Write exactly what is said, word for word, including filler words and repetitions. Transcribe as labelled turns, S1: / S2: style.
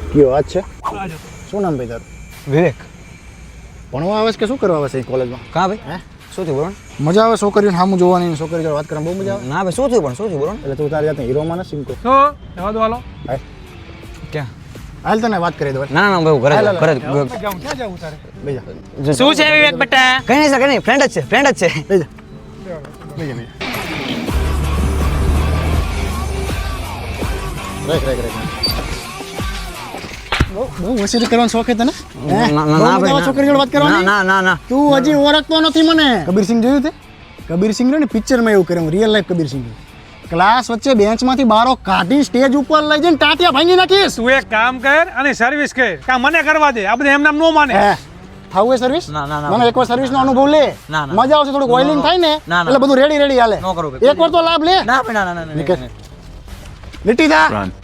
S1: કયો વાત છે? શું નામ ભાઈ તારું?
S2: વિવેક.
S1: ભણવા આવે છે કે શું કરવા આવે છે કોલેજમાં?
S2: કા ભાઈ?
S1: હે
S2: શું થયું બોલો?
S1: મજા આવે છોકરીઓને સામું જોવાની, છોકરી જોડે વાત કરવાની બહુ મજા આવે.
S2: ના ભાઈ શું થયું પણ શું થયું બોલો?
S1: એટલે તું તારી જાતને હીરોમાં નથી સિમકો.
S3: તો જવા દો હાલો.
S1: હાલ
S2: ક્યાં?
S1: હાલ તને વાત કરી દો.
S2: ના ના ભાઈ ઘરે
S1: હાલ, હાલ,
S2: ઘરે
S3: જાઉં ક્યાં જાવું તારે?
S1: બેજા
S4: શું છે વિવેક બેટા?
S2: કઈ નહીં સર કઈ નહીં ફ્રેન્ડ જ છે ફ્રેન્ડ જ છે.
S1: બેજા બેજા બેજા રાઈટ રાઈટ રાઈટ બહુ બહુ હોશિયારી કરવાનો શોખ છે તને?
S2: ના ના ના ભાઈ
S1: છોકરી જોડે વાત
S2: ના
S1: કરવાની?
S2: ના ના ના
S1: તું હજી ઓળખતો નથી મને. કબીરસિંહ જોયું તે? કબીરસિંહ ને પિક્ચરમાં એવું કર્યું, રિયલ લાઈફ કબીરસિંહ. ક્લાસ વચ્ચે બેન્ચમાંથી બારો કાઢી સ્ટેજ ઉપર લઈ જઈને ટાટિયા ભાંગી નાખીશ.
S3: તું એક કામ કર અને સર્વિસ કર. કામ મને કરવા દે. આ બધું એમ નામ નો માને.
S1: હે હાઉ એ સર્વિસ?
S2: ના, ના, ના.
S1: મને એકવાર સર્વિસ નો અનુભવ લે.
S2: ના, ના.
S1: મજા આવશે, થોડુંક ઓઇલિંગ થાય ને
S2: ના, ના.
S1: એટલે બધું રેડી રેડી હાલે.
S2: નો કરું ભાઈ.
S1: એકવાર તો લાભ લે.
S2: ના ભાઈ ના ના ના
S1: નીકળ. લીટી જા.